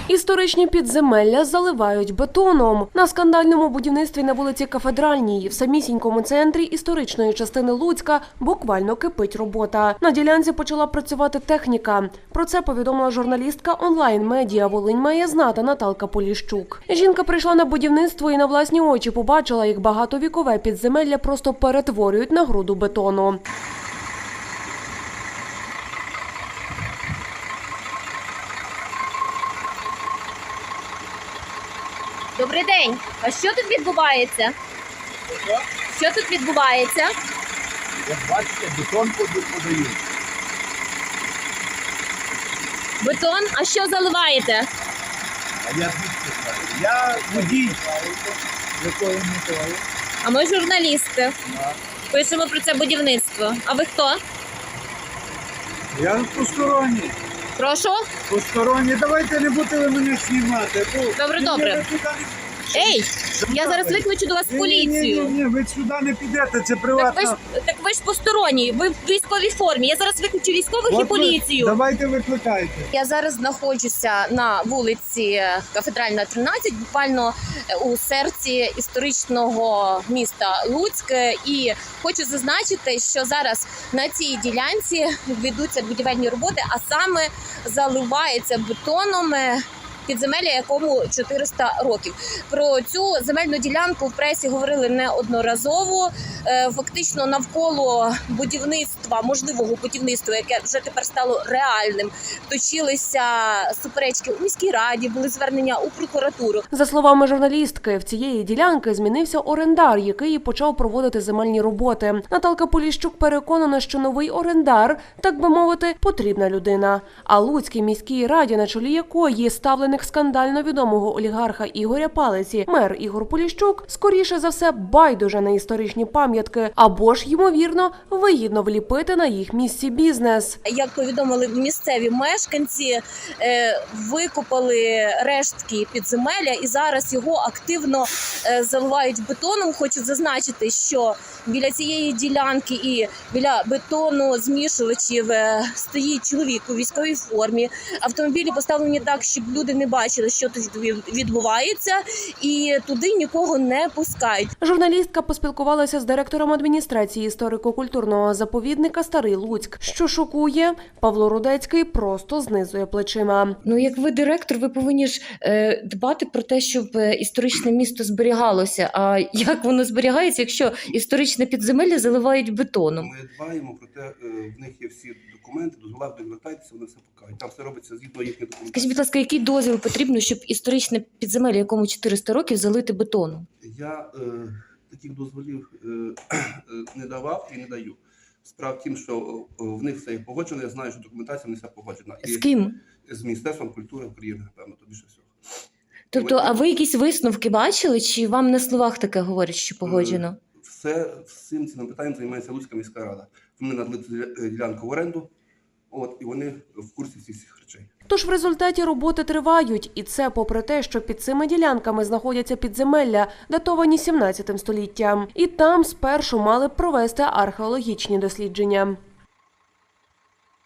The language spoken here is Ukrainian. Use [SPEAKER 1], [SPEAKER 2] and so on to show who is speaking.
[SPEAKER 1] Історичні підземелля заливають бетоном. На скандальному будівництві на вулиці Кафедральній в самісінькому центрі історичної частини Луцька буквально кипить робота. На ділянці почала працювати техніка. Про це повідомила журналістка онлайн-медіа «Волинь має знати» Наталка Поліщук. Жінка прийшла на будівництво і на власні очі побачила, як багатовікове підземелля просто перетворюють на груду бетону.
[SPEAKER 2] Добрий день. А що тут відбувається? Що тут відбувається?
[SPEAKER 3] Як бачите, бетон подають.
[SPEAKER 2] Бетон? А що заливаєте?
[SPEAKER 3] А я звідки знаю? Я водій. Якої метою?
[SPEAKER 2] А ми журналісти. Пишемо про це будівництво. А ви хто?
[SPEAKER 3] Я посторонній.
[SPEAKER 2] Прошу?
[SPEAKER 3] Посторонній. Давайте не будете ви мене знімати.
[SPEAKER 2] Добре. Ей, я зараз викличу до вас поліцію.
[SPEAKER 3] Ні, ви сюди не підете, це приватна.
[SPEAKER 2] Так ви ж посторонні, ви в військовій формі. Я зараз викличу військових і поліцію.
[SPEAKER 3] Давайте викликайте.
[SPEAKER 2] Я зараз знаходжуся на вулиці Кафедральна, 13, буквально у серці історичного міста Луцьк. І хочу зазначити, що зараз на цій ділянці ведуться будівельні роботи, а саме заливається бетоном підземелля, якому 400 років. Про цю земельну ділянку в пресі говорили неодноразово. Фактично навколо будівництва, можливого будівництва, яке вже тепер стало реальним, точилися суперечки у міській раді, були звернення у прокуратуру.
[SPEAKER 1] За словами журналістки, в цієї ділянки змінився орендар, який почав проводити земельні роботи. Наталка Поліщук переконана, що новий орендар, так би мовити, потрібна людина. А Луцькій міській раді, на чолі якої ставленик скандально відомого олігарха Ігоря Палиці, мер Ігор Поліщук, скоріше за все, байдуже на історичні пам'ятки, або ж, ймовірно, вигідно вліпити на їх місці бізнес.
[SPEAKER 2] Як повідомили місцеві мешканці, викопали рештки підземелля і зараз його активно заливають бетоном. Хочу зазначити, що біля цієї ділянки і біля бетону змішувачів стоїть чоловік у військовій формі. Автомобілі поставлені так, щоб люди не бачили, що тут відбувається, і туди нікого не пускають.
[SPEAKER 1] Журналістка поспілкувалася з директором адміністрації історико-культурного заповідника «Старий Луцьк». Що шокує, Павло Рудецький просто знизує плечима.
[SPEAKER 4] Як ви директор, ви повинні ж дбати про те, щоб історичне місто зберігалося. А як воно зберігається, якщо історичне підземелля заливають бетоном?
[SPEAKER 5] Ми дбаємо про те, в них є всі документи, дозволяють, звертайтеся, вони все покажуть. Там все робиться згідно їхніх документів.
[SPEAKER 4] Скажіть, будь ласка, який дозвіл потрібно, щоб історичне підземелля, якому 400 років, залити бетоном?
[SPEAKER 5] Я таких дозволів не давав і не даю. Справа в тім, що в них все є погоджено, я знаю, що документація не вся погоджена.
[SPEAKER 4] З ким?
[SPEAKER 5] З Міністерством культури України, певно, то більше всього.
[SPEAKER 4] Тобто, а ви якісь висновки бачили, чи вам на словах таке говорять, що погоджено?
[SPEAKER 5] Всім цим питанням займається Луцька міська рада. Вони надали ділянку в оренду, і вони в курсі всіх речей.
[SPEAKER 1] Тож в результаті роботи тривають, і це попри те, що під цими ділянками знаходяться підземелля, датовані 17 століттям. І там спершу мали б провести археологічні дослідження.